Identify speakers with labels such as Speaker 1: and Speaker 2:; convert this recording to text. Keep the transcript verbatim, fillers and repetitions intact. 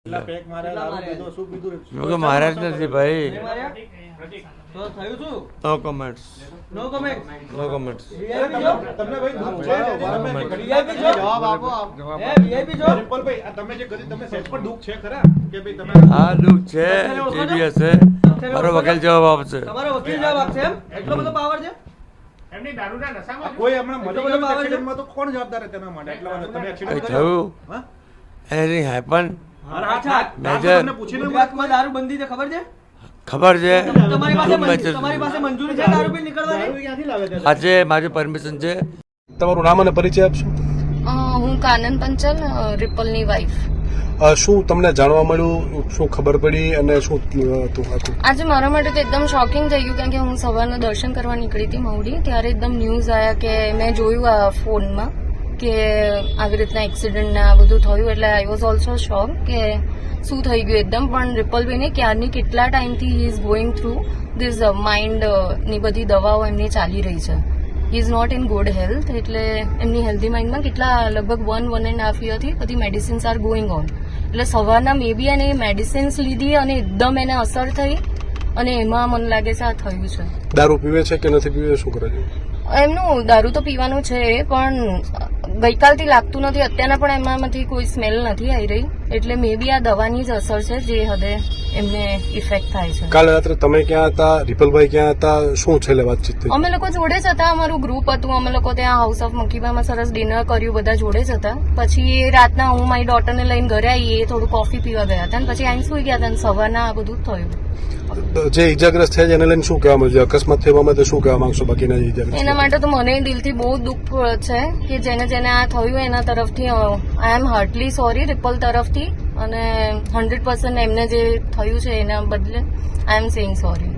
Speaker 1: મારા જ નથી ભાઈ. No comments.
Speaker 2: No comment.
Speaker 1: No comments.
Speaker 2: તમને ભાઈ દુઃખ છે વીઆઈપી છો જવાબ આપો હે વીઆઈપી છો રિપલભાઈ આ તમે જે કરી તમે સેટ પર દુઃખ છે ખરા કે ભાઈ તમે
Speaker 1: હા દુઃખ છે ટીવીએસ છે મારો વકીલ જવાબ આપશે.
Speaker 2: તમારો વકીલ જવાબ આપશે એમ એટલો બધો પાવર છે
Speaker 3: એમની દારૂના નશામાં
Speaker 2: કોઈ હમણાં મોટો એક્સિડન્ટમાં તો કોણ જવાબદાર છે તેના માટે એટલા માટે તમે એક્સિડન્ટ
Speaker 1: થયું એની હેપન
Speaker 2: અચ્છા
Speaker 1: મેજર
Speaker 2: તમને પૂછીને ગુજરાતમાં દારૂ બંધી છે ખબર છે
Speaker 1: ખબર છે
Speaker 2: તમારી પાસે તમારી પાસે મંજૂરી છે દારૂ પી નીકળવાની ક્યાંથી લાવે છે
Speaker 1: આજે મારી પરમિશન છે.
Speaker 4: તમારું નામ અને પરિચય આપશો.
Speaker 5: હું કાનન પંચલ રિપલની વાઈફ.
Speaker 4: શું તમને જાણવા મળ્યું, શું ખબર પડી અને શું હતું આખું?
Speaker 5: આજે મારા માટે તો એકદમ શોકિંગ થઈ ગયું કારણ કે હું સવારના દર્શન કરવા નીકળી હતી મવડી ત્યારે એકદમ ન્યૂઝ આવ્યા કે મેં જોયું આ ફોનમાં કે આવી રીતના એક્સિડન્ટ ને આ બધું થયું એટલે આઈ વોઝ ઓલ્સો શોક કે શું થઈ ગયું એકદમ. પણ રિપલભાઈને ક્યારની કેટલા ટાઈમથી he is going through this mind ની બધી દવાઓ એમની ચાલી રહી છે. He is not in good health એટલે એમની હેલ્ધી માઇન્ડમાં કેટલા લગભગ વન વન એન્ડ હાફ યરથી બધી મેડિસિન્સ આર ગોઈંગ ઓન એટલે સવારના મે બી એને મેડિસિન્સ લીધી અને એકદમ એને અસર થઈ અને એમાં મને લાગે છે આ થયું છે.
Speaker 4: દારૂ પીવે છે કે નથી પીવે, શું કરે છે?
Speaker 5: એમનું દારૂ તો પીવાનું છે પણ ગઈકાલથી લાગતું નથી, અત્યારના પણ એમાંથી કોઈ સ્મેલ નથી આવી રહી એટલે મે બી આ દવાની જ અસર છે જે હદે એમને ઇફેક્ટ થાય છે.
Speaker 4: કાલે રાત્રે તમે ક્યાં હતા, રિપલભાઈ ક્યાં હતા, શું છેલ્લે વાતચીત થઈ?
Speaker 5: અમે લોકો જોડે જ હતા, અમારું ગ્રુપ હતું, અમે લોકો ત્યાં હાઉસ ઓફ મકીબામાં સરસ ડિનર કર્યું, બધા જોડે જ હતા. પછી રાતના હું મારી ડોટરને લઈને ઘરે આવી, એ થોડું કોફી પીવા ગયા હતા અને પછી આઈને સુઈ ગયા હતા અને સવારના આ બધું થયું.
Speaker 4: જે ઇજાગ્રસ્ત થયા છે એને લઈને શું કહેવા માંગશો? અકસ્માત થવા માટે શું કહેવા માંગશો? બાકીના ઇજાગ્રસ્ત
Speaker 5: એના માટે તો મને દિલથી બહુ દુઃખ છે કે જેને જેને આ થયું એના તરફથી આઈ એમ હાર્ટલી સોરી રિપલ તરફથી અને હંડ્રેડ પર્સન્ટ એમને જે થયું છે એના બદલે આઈ એમ સેઇંગ સોરી.